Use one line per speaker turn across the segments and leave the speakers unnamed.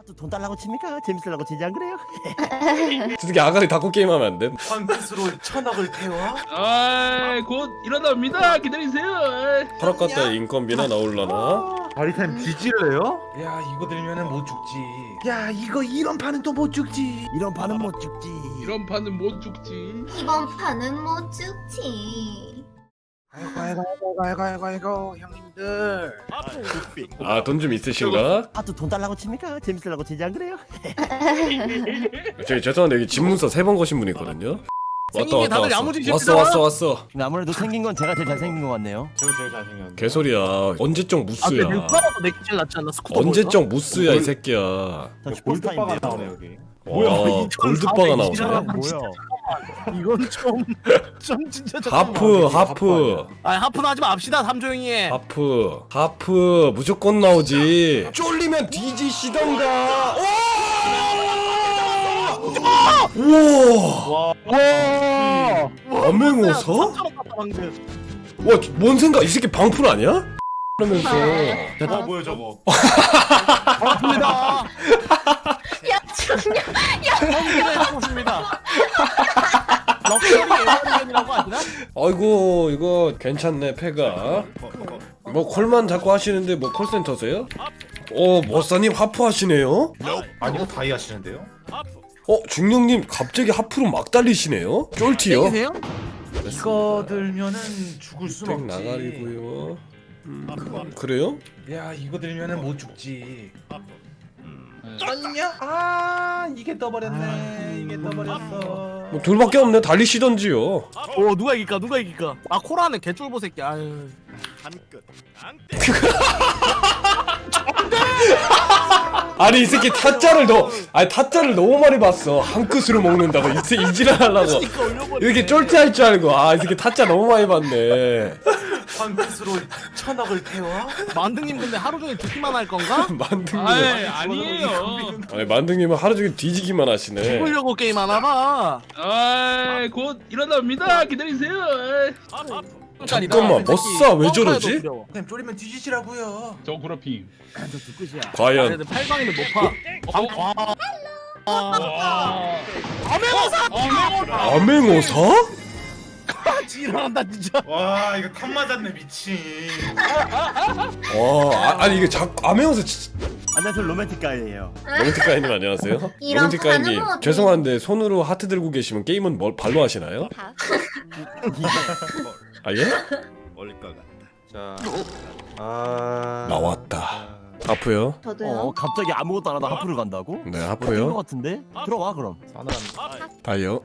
또 돈 달라고 칩니까? 재밌으려고 치지 안 그래요?
저렇게 아가리 닫고 게임하면 안 돼?
황크스로 1000억을 태워?
곧 일어납니다. 기다리세요.
파락 갔다 인건비나 나올라나?
바리타임 뒤질래요?
야 이거 들면은 못 죽지. 야 이거 이런 판은 또 못 죽지.
이런 반은 못 죽지.
이런 판은 못 죽지.
이번 판은 못 죽지.
아이고 형님들.
아 돈 좀 있으신가?
또 돈 달라고 칩니까? 재밌으려고 치지 안 그래요?
저기 죄송한데 여기 집문서 3번 거신 분 있거든요? 왔다
생긴 게 다들 야무지십시다.
왔어
근데 아무래도 생긴 건 제가 제일 잘생긴 것 같네요.
제가 제일 잘생겼는데.
개소리야 언제적 무스야
누가봐도 내게 제일 낫지 않나? 스쿠터
언제적 무스야 이 새끼야.
저
골드바가
슈퍼스타인데요.
나오네 여기.
와 골드바가 나오네.
뭐야?
이건 좀 진짜
하프
아 하프는 하지 맙시다. 삼조용히 해.
하프 무조건 나오지. 쫄리면 뒤지시던가. 우와 암행어사? 와 뭔 생각 이 새끼 방풀 아니야? 그러면서
뭐야 저거?
야,
반갑습니다.
죽냐?
펑키를 해보십니다. 럭셔리 에어리언이라고 하시나?
아이고 이거 괜찮네 패가. 뭐 콜만 자꾸 하시는데 뭐 콜센터세요? 머싸님 하프 하시네요?
아니요 다이 하시는데요?
중령님 갑자기 하프로 막 달리시네요? 쫄티요?
땡기세요?
이거 들면은 죽을 순
땡
없지.
나가리고요. 그래요?
야 이거 들면은 못 죽지. 떴냐? 아 이게 떠버렸네. 이게 떠버렸어.
뭐 둘밖에 없네 달리시던지요.
오 누가 이길까? 누가 이길까? 아 코라는 개쫄보 새끼. 아유.
아니 이 새끼 타짜를 너무 많이 봤어. 한 끝으로 먹는다고 이지랄 하려고 이렇게 쫄티할 줄 알고. 이 새끼 타짜 너무 많이 봤네.
황크스로 1000억을 태워?
만등님 근데 하루 종일 듣기만 할 건가?
만등님
아니에요.
아니 만등님은 하루 종일 뒤지기만 하시네.
죽으려고 게임 하나 봐.
곧 일어납니다. 기다리세요.
잠깐만 머싸 왜 저러지?
그냥 쫄리면 뒤지시라고요.
저 구라핑.
저두 끝이야.
과연
그래도 팔방이는 못 파.
암행어사?
지랄한다 진짜.
와 이거 탑 맞았네 미친.
아니 이게 자꾸 암행어사
안녕하세요 로맨틱 가이예요.
로맨틱가이님 안녕하세요.
이런
로맨틱가이님
반응은
죄송한데 손으로 하트 들고 계시면 게임은 발로 하시나요? 예?
멀릴 것 같다. 자,
나왔다. 하프요?
저도요.
갑자기 아무것도 안 하다 하프를 간다고?
네
것
하프요.
같은데? 들어와 그럼.
다이요.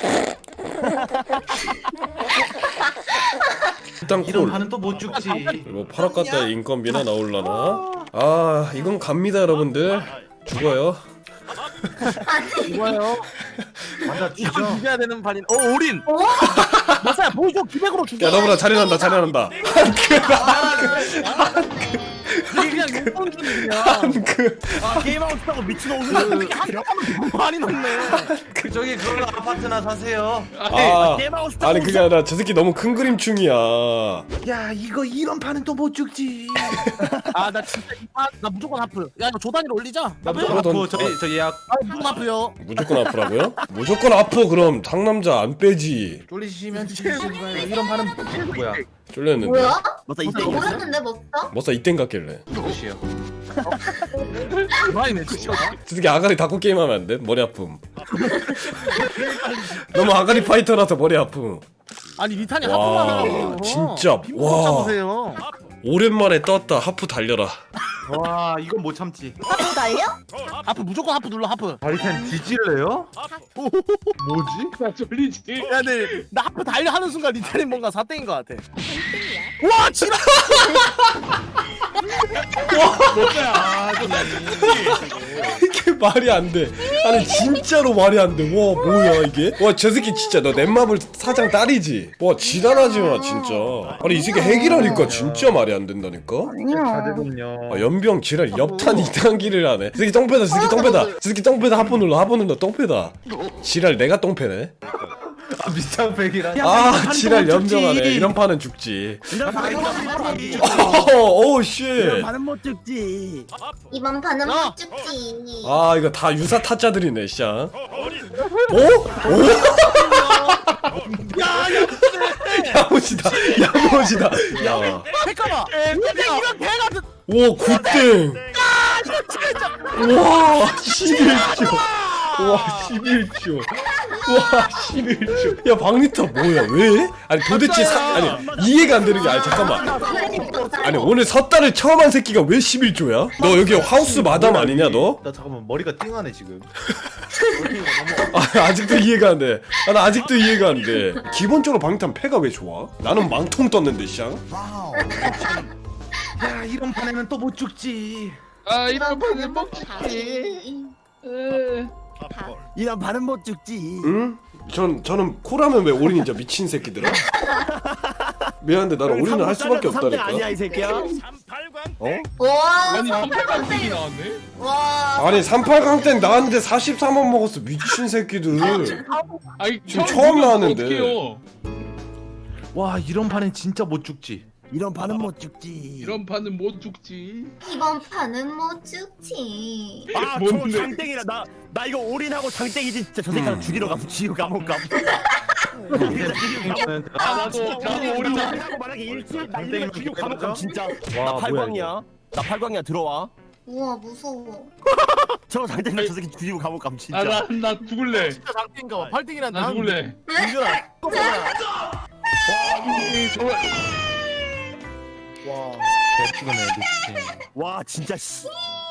일단
이런
콜.
판은 또 못 죽지.
뭐 파락 갔다 인건비나 나올라나? 이건 갑니다 여러분들. 죽어요.
이거요.
맞아
이건
죽여.
죽여야 되는 판인. 올인. 맞아요. 보여줘. 기백으로 죽여.
야 너보다 잘해난다.
이게 그냥 용돈준이야.
게임하고 싶다고 미친놈을.
많이 넣네.
저기 그런 아파트나 사세요.
게임하고 싶다고.
아니 그게 아니라 저 새끼 너무 큰 그림충이야.
야 이거 이런 판은 또 못 죽지.
나 진짜 나 무조건 하프. 야 이거 조단위로 올리자.
나
무조건
무조건
아프.
저 예약.
무조건 하프요.
무조건 아프라고요? 무조건 아프 그럼 상남자 안 빼지.
쫄리시면 뒤지시는 거예요. 이런 판은 뭐야?
쫄렸는데.
뭐야?
맞다 이때
모르는데 먹다?
머싸 이땐 같길래.
끝이요.
많이네 진짜.
저 새끼 아가리 닫고 게임하면 안 돼? 머리 아픔. 너무 아가리 파이터라서 머리 아픔.
아니 리탄이
와,
하프만
진짜, 와.
보세요.
오랜만에 떴다. 하프 달려라.
와 이건 못 참지.
하프 달려?
하프 무조건 하프 눌러 하프.
바리타임 뒤질래요? 뭐지?
나 쫄리지.
야 근데 나 하프 달려 하는 순간 리탄이 뭔가 사땡인 것 같아. 와 지랄.
이게 말이 안 돼. 아니 진짜로 말이 안 돼. 와 뭐야 이게? 와 저 새끼 진짜 너 넷마블 사장 딸이지? 와 지랄하지 마 진짜. 아니 이 새끼 핵이라니까 진짜 말이 안 된다니까.
자제군요.
연병 지랄 옆탄 2단기를 하네. 저 새끼 똥패다. 저 새끼 똥패다. 저 새끼 똥패다. 하프 눌러 똥패다. 지랄 내가 똥패네.
밑장팩이라.
아 지랄 연병하네. 이런 판은 죽지.
이런 판은 못 죽지.
오 쉣.
이런 판은 못 죽지.
이번 판은 못 죽지.
아 이거 다 유사 타짜들이네 씨. 오? 오? 야무지다. 야무지다. 야.
잠깐만. 근데 이런 개 같은.
오 굿땡. 와 11조. 와 11조. 와 11조. 야 박리터 뭐야 왜? 아니 도대체 아니 이해가 안 되는 게 아니 잠깐만. 아니 오늘 섣달을 처음 한 새끼가 왜 11조야? 너 여기 하우스 마담 아니냐 너?
나 잠깐만 머리가 띵하네 지금.
아, 아직도 이해가 안 돼. 아, 나 아직도 이해가 안 돼. 기본적으로 방탄 패가 왜 좋아? 나는 망통 떴는데 쌍.
야 이런 판에는 또 못 죽지.
아 이런 판은 못 죽지.
이런 판은 못 죽지.
응? 저는 코라면 왜 올인이죠 미친 새끼들아. 미안한데 나는 올인을 할 수밖에 없다니까.
아니야 이 새끼야. 어?
와,
아니 38강이 나왔네.
와.
아니 38강 땐 나왔는데 44만 먹었어 미친 새끼들.
아니
지금 처음 나왔는데.
어떡해요?
와 이런 판엔 진짜 못 죽지.
이런 판은 못 죽지.
이런 판은 못 죽지.
이번 판은 못 죽지.
아,
뭔데?
저 장땡이라 나 이거 올인하고 장땡이지 진짜 저 새끼랑 죽이러 가서 지우 감옥 가.
아 나도 올인.
하고 만약에 일주일 날리면 죽이고 감옥 가면 진짜. 나
와, 뭐야,
8광이야. 나 8광이야 들어와.
우와 무서워.
저 장땡이랑 저 새끼 죽이고 감옥 가면 진짜.
아나 죽을래.
진짜 장땡인가 봐. 8등이란
나 죽을래.
이거라.
정말.
와.
개피곤해 미친.
와 진짜 씨.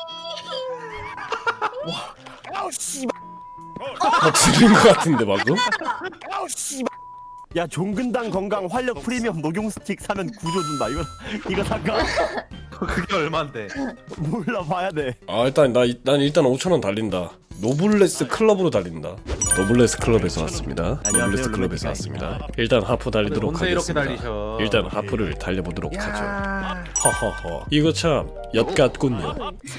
와. 아우 씨.
다 지른 것 같은데 방금?
아우 씨. 야 종근당 건강 활력 프리미엄 녹용 스틱 사면 구조 준다. 이거 살까?
그게 얼마인데?
몰라 봐야 돼.
아 일단 난 일단 5,000원 달린다. 노블레스 클럽으로 달린다. 노블레스 클럽에서 왔습니다.
안녕하세요,
노블레스 클럽에서
로맨틱
왔습니다. 일단 하프 달리도록
뭔데 이렇게
하겠습니다.
달리셔?
일단 하프를 달려보도록 하죠.
야.
허허허. 이거 참 엿같군요.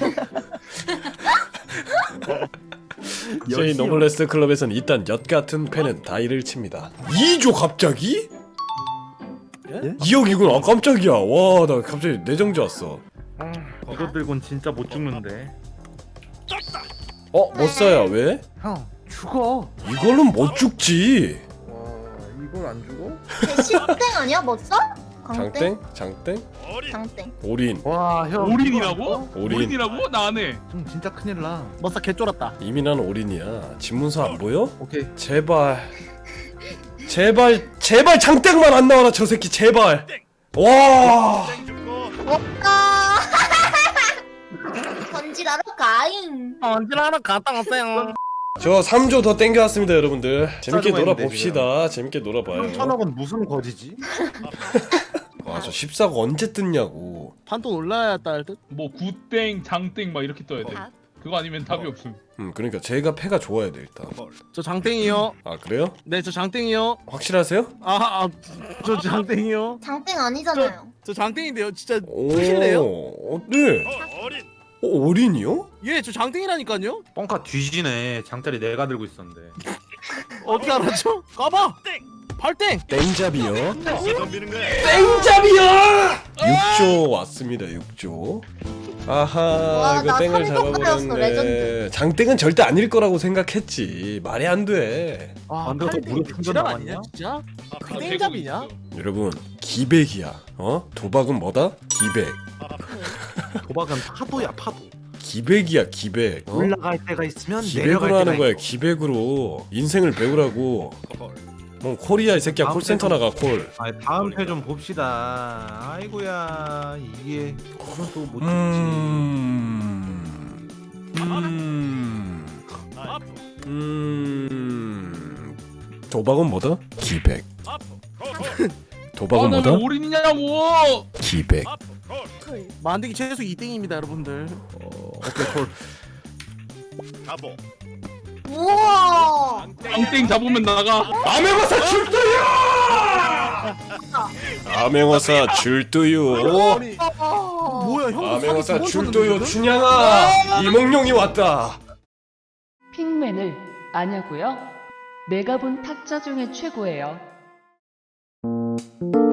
저희 노블레스 클럽에서는 일단 엿같은 패는 다이를 칩니다. 2조 갑자기?
예?
2억이구나. 아, 깜짝이야. 와 나 갑자기 내정지 왔어.
이거 들곤 진짜 못 죽는데.
못 써야 왜?
형 죽어.
이걸로는 못 죽지.
와 이걸 안 죽어?
걔 신땡 아니야? 뭐 써?
장땡? 장땡?
장땡.
올인.
와 형.
올인이라고?
올인.
올인이라고? 나 안 해.
좀 진짜 큰일 나.
머싸 개 쫄았다.
이미 난 올인이야. 집문서 안 보여?
오케이.
제발 장땡만 안 나와라 저 새끼 제발. 와.
없다. 던지라로 가잉.
언제나 하나 갔다 왔어요.
저 3조 더 땡겨왔습니다 여러분들. 재밌게
짜증나
놀아봅시다. 재밌게 놀아봐요.
3천억은 무슨 거지지?
와저 14가 언제 뜯냐고.
판돈 올라야 딸 듯.
뭐 구땡, 장땡 막 이렇게 떠야 돼. 그거 아니면 답이 없음.
그러니까 제가 패가 좋아야 돼 일단.
저 장땡이요.
아 그래요?
네, 저 장땡이요.
확실하세요?
저 장땡이요.
장땡 아니잖아요.
저 장땡인데요. 진짜
오.
보실래요?
네. 올인이요?
예, 저 장땡이라니까요.
뻥카 뒤지네. 장짜리 내가 들고 있었는데.
어떻게 알았죠? 까봐. 8땡.
땡잡이요? 땡잡이야! 6조 왔습니다 6조. 아하
와,
이거
나
땡을
삼성파였어,
잡아버렸네.
레전드.
장땡은 절대 아닐 거라고 생각했지. 말이 안돼.
아,
근데 또 무료 충전
지랄
남았냐?
아니냐, 진짜?
다
땡잡이냐?
되고 있어.
여러분 기백이야. 도박은 뭐다? 기백.
도박은 파도야 파도.
기백이야 기백.
올라갈 때가 있으면
기백으로
내려갈 때가
하는 거야.
있고.
기백으로 인생을 배우라고. 뭐 콜이야 이 새끼야. 콜센터 나가 콜.
아 다음 회 좀 봅시다. 아이고야 이게 그건 또 못 죽지.
도박은 뭐다? 기백. 도박은
나 왜
뭐다?
올인이냐고.
기백.
만들기 최소 2등입니다, 여러분들.
오케이 콜.
우와.
장땡 잡으면 나가.
암행어사 줄도요! 암행어사 줄도요.
아니, 뭐야, 형?
암행어사 줄도요 춘향아. 이몽룡이 왔다.
핑맨을 아냐고요? 내가 본 타짜 중에 최고예요.